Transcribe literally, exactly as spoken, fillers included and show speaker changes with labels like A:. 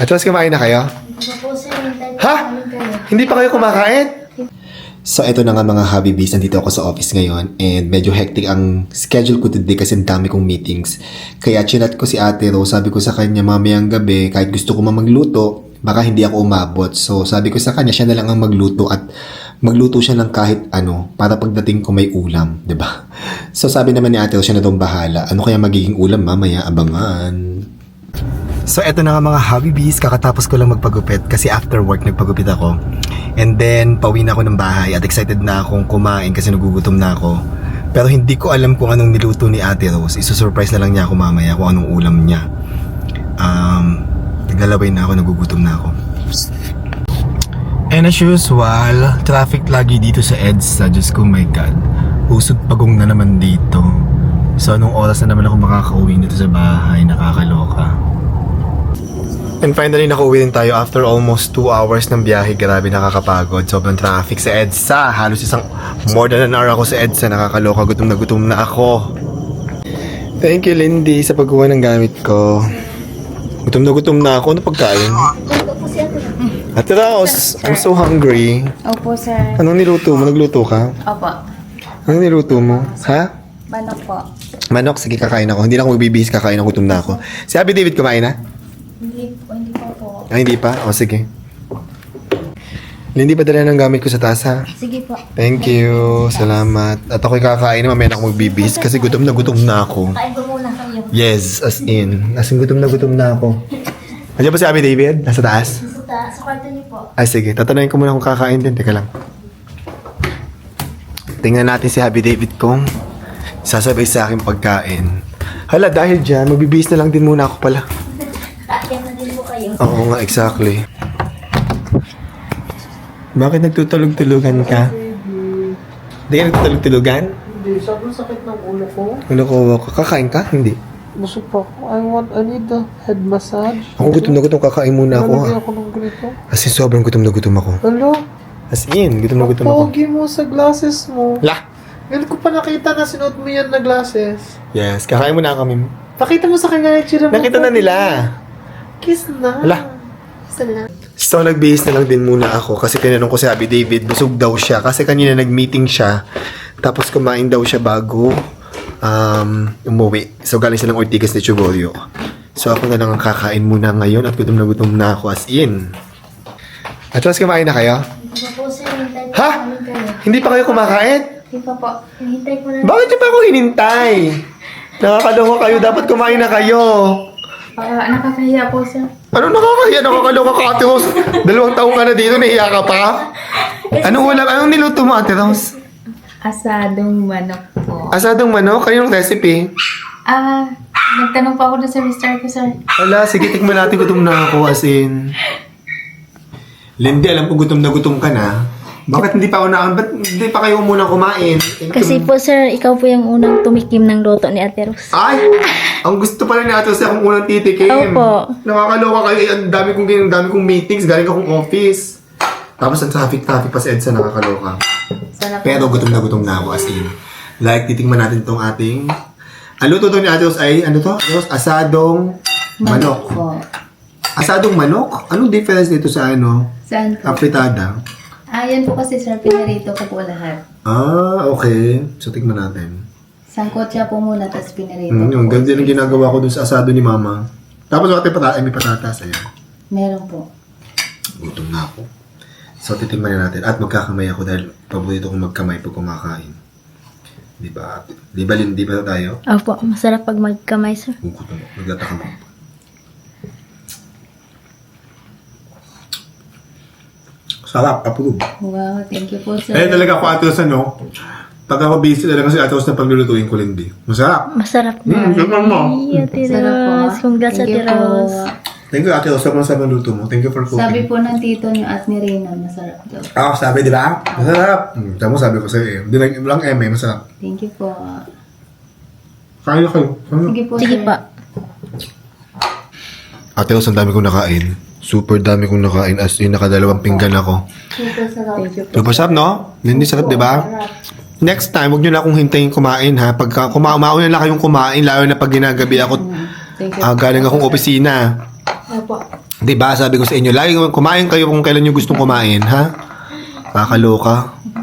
A: At tapos kumain na kayo?
B: Opo, sir. Hintay po
A: Ha?
B: namin kayo.
A: Hindi pa kayo kumakain? So, eto na nga mga hobby bees. Nandito ako sa office ngayon and medyo hectic ang schedule ko today kasi ang dami kong meetings. Kaya chinat ko si Ate Rose. Sabi ko sa kanya mamayang gabi, kahit gusto ko man magluto, baka hindi ako umabot. So, sabi ko sa kanya, siya na lang ang magluto at magluto siya ng kahit ano para pagdating ko may ulam, 'di ba? So, sabi naman ni Ate Rose, siya na daw bahala. Ano kaya magiging ulam mamaya? Abangan. So, eto na nga mga hobby bees. Kakatapos ko lang magpagupit kasi after work nagpagupit ako. And then, pauwi na ako ng bahay at excited na akong kumain kasi nagugutom na ako. Pero hindi ko alam kung anong niluto ni Ate Rose. Isusurprise na lang niya ako mamaya kung anong ulam niya. Um, naglalaway na ako, nagugutom na ako. And as usual, traffic lagi dito sa EDSA. Diyos ko, my God. Usog pagong na naman dito. So, anong oras na naman ako makakauwi dito sa bahay? Nakakaloka. And finally, nakauwi din tayo after almost two hours ng biyahe. Grabe, nakakapagod. Sobrang traffic sa EDSA. Halos isang more than an hour ako sa EDSA. Nakakaloka. Gutom na gutom na ako. Thank you, Lindy, sa pagkuha ng gamit ko. Gutom na gutom na ako. Ano pagkain?
B: Ito po si Ate.
A: Ate Rose, I'm so hungry.
B: Opo, sir.
A: Anong niluto mo? Nagluto ka?
B: Opo.
A: Anong niluto mo? Ha?
B: Manok po.
A: Manok, sige, kakain ako. Hindi na ako magbibihis, kakain ako. Gutom na ako. Si Abby David kumain na?
B: Hindi po, hindi po po.
A: Ah, hindi pa? O, sige. Lindy, padala ng gamit ko sa taas, ha?
B: Sige po.
A: Thank you. Salamat. At ako'y kakain na mamaya na ako magbibihis kasi gutom na gutom na ako.
B: Kain ko muna kayo.
A: Yes, as in. As in, gutom na gutom na ako. Andiyan ba si Abby David? Nasa taas?
B: Sa, ta- sa kwarto niyo po.
A: Ay, sige. Tatanungin ko muna kung kakain din. Teka lang. Tingnan natin si Abby David kung sasabay sa akin pagkain. Hala, dahil dyan, magbibihis na lang din muna ako pala.
B: Kakain na din po kayo.
A: Oo nga, exactly. Bakit nagtutulog-tulugan ka? Hindi ka nagtutulog-tulugan?
C: Hindi, sobrang sakit ng ulo ko.
A: Ano ko, kakain ka? Hindi.
C: Busog pa ako. I want, I need the head massage.
A: Ako gutom na gutom, kakain muna ako.
C: Lalagyan
A: Ha?
C: ako ng ganito.
A: As in, sobrang gutom na gutom ako.
C: Hello?
A: As in, gutom na gutom ako.
C: Pogi mo sa glasses mo.
A: La!
C: Ngayon ko pa nakita na sinuot mo yan na glasses.
A: Yes, kakain muna kami.
C: Pakita mo sa kanya yung tsura mo.
A: Nakita na nila.
C: Kiss na.
A: Hala.
B: Isa na.
A: So, nagbihis na lang din muna ako kasi tinanong ko si Abby David, busog daw siya. Kasi kanina nag-meeting siya. Tapos kumain daw siya bago um, umuwi. So, galing silang Ortigas de Chugorio. So, ako na lang ang kakain muna ngayon at gutom na gutom na ako as in. At tapos kumain na kayo?
B: Opo, sir. Hintay po
A: Ha?
B: namin kayo.
A: Hindi pa kayo kumakain?
B: Hindi pa po. Hintay po namin.
A: Bakit niyo pa ako hinintay? Nakakaloka kayo. Dapat kumain na kayo.
B: Ah, nakakahiya po, sir.
A: Ano nakakahiya? Nakakaloka ka, Ate Rose. Dalawang taong ka na dito, nahiya ka pa? Anong ulam? Anong niluto mo, Ate Rose?
B: Asadong manok po.
A: Asadong manok? Kaninong recipe?
B: Ah, nagtanong pa ako doon sa mister ko, sir.
A: Wala, sige, tikman natin. Gutom na ako, as in. Lindy, alam ko gutom na gutom ka na. Bakit hindi pa ako na... Ba't hindi pa kayo muna kumain?
B: Kasi po, sir, ikaw po yung unang tumikim ng luto ni Ate Rose.
A: Ay! Ang gusto pala ni Ate Rose akong unang titikim.
B: Opo.
A: Nakakaloka kayo. Eh, Ang dami kong, ang dami kong meetings. Galing akong office. Tapos ang traffic-traffic pa sa EDSA. Nakakaloka.
B: Sana po.
A: Pero gutom na gutom na ako, as in. Like, titikman natin itong ating... Ang luto to ni Ate Rose ay, ano to? Ate Rose, asadong manok.
B: po.
A: Asadong manok? Anong difference dito sa ano?
B: Saan po?
A: Apritada?
B: Ah, yan po kasi, sir, pinarito ko po lahat.
A: Ah, okay. So, tikman natin.
B: Sangkot siya po muna, tapos pinarito
A: Mm, yung
B: po.
A: ganda ng ginagawa ko dun sa asado ni Mama. Tapos, bakit pata ay may patatas. Ayan.
B: Meron po.
A: Gutom na ako. So, titikman na natin. At magkakamay ako dahil paborito kong magkamay pag kumakain. Di ba? Di ba, Lynn? Di ba tayo?
B: Opo, masarap pag magkamay, sir.
A: Gutom ako. Nagtataka mo. Sarap. Approve.
B: Wow, thank you po, sir.
A: Eh, talaga ako atos ano. Pag ako busy talaga si atos na paglulutuin ko, Lindy. Masarap.
B: Masarap
A: Hmm,
B: na.
A: tignan mo.
B: Ay, Ate
D: Sarap po.
B: Rose. Congrats,
D: Thank
B: Ate
D: you po.
B: Rose.
A: Thank you, Ate Rose. Sobrang sarap ng luto mo. Thank you for cooking.
D: Sabi po ng tito niyo at ni Reyna, masarap daw.
A: Ah, sabi, di ba? Masarap. Hmm, tama, sabi ko sa'yo eh. Hindi lang, lang M eh, masarap.
D: Thank you po.
A: Kaya kayo. Ano?
D: Sige po,
B: Sige
D: sir.
B: pa.
A: Ate Rose, ang dami kong nakain. Super dami kong nakain. As in, nakadalawang pinggan ako.
D: Super sarap. Thank you po.
A: Super sarap, no? Lindy, sarap, di ba? Next time, huwag nyo na akong hintayin kumain, ha? Pagka kuma umauna na kayong kumain, lalo na pag ginagabi ako,
D: Thank you.
A: ah, galing akong opisina.
D: Opo.
A: Di ba? Sabi ko sa inyo, lagi kumain kayo kung kailan nyo gustong kumain, ha? Kakaloka.